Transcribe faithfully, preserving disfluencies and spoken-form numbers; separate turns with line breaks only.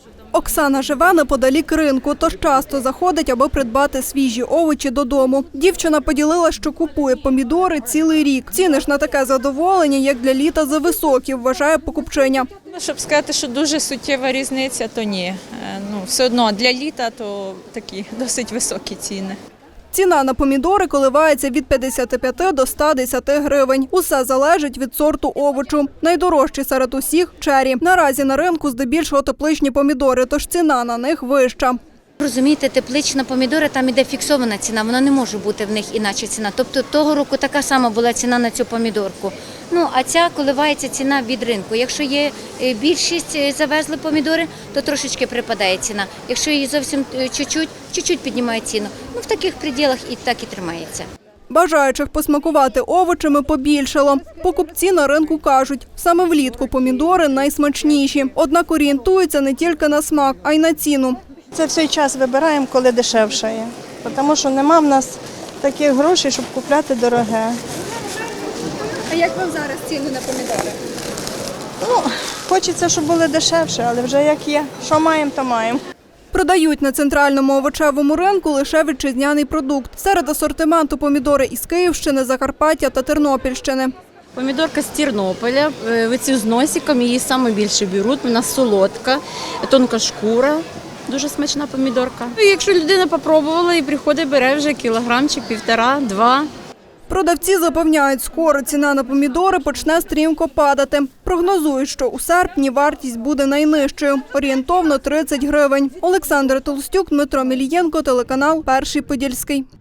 Оксана живе неподалік ринку, тож часто заходить, аби придбати свіжі овочі додому. Дівчина поділила, що купує помідори цілий рік. Ціни ж на таке задоволення, як для літа, зависокі, вважає покупчиня.
Щоб сказати, що дуже суттєва різниця, то ні. Ну, все одно для літа то такі досить високі ціни.
Ціна на помідори коливається від п'ятдесяти п'яти до ста десяти гривень. Усе залежить від сорту овочу. Найдорожчі серед усіх – чері. Наразі на ринку здебільшого тепличні помідори, тож ціна на них вища.
Розумієте, теплична помідора, там іде фіксована ціна, вона не може бути в них інакше ціна. Тобто того року така сама була ціна на цю помідорку. Ну, а ця коливається ціна від ринку. Якщо є більшість завезли помідори, то трошечки припадає ціна. Якщо її зовсім чуть-чуть, чуть-чуть піднімає ціну. Ну, в таких пределах і так і тримається.
Бажаючих посмакувати овочами побільшало. Покупці на ринку кажуть, саме влітку помідори найсмачніші. Однак орієнтуються не тільки на смак, а й на ціну.
Це все час вибираємо, коли дешевше є, тому що нема в нас таких грошей, щоб купляти дороге.
А як вам зараз ціни на помідори?
Ну, хочеться, щоб були дешевше, але вже як є. Що маємо, то маємо.
Продають на центральному овочевому ринку лише вітчизняний продукт. Серед асортименту помідори із Київщини, Закарпаття та Тернопільщини.
Помідорка з Тернополя, оці з носиком, її найбільше беруть, вона солодка, тонка шкура. Дуже смачна помідорка. Якщо людина спробувала і приходить, бере вже кілограмчик, півтора, два.
Продавці запевняють, скоро ціна на помідори почне стрімко падати. Прогнозують, що у серпні вартість буде найнижчою – орієнтовно тридцять гривень. Олександра Толстюк, Дмитро Мілієнко, телеканал «Перший Подільський».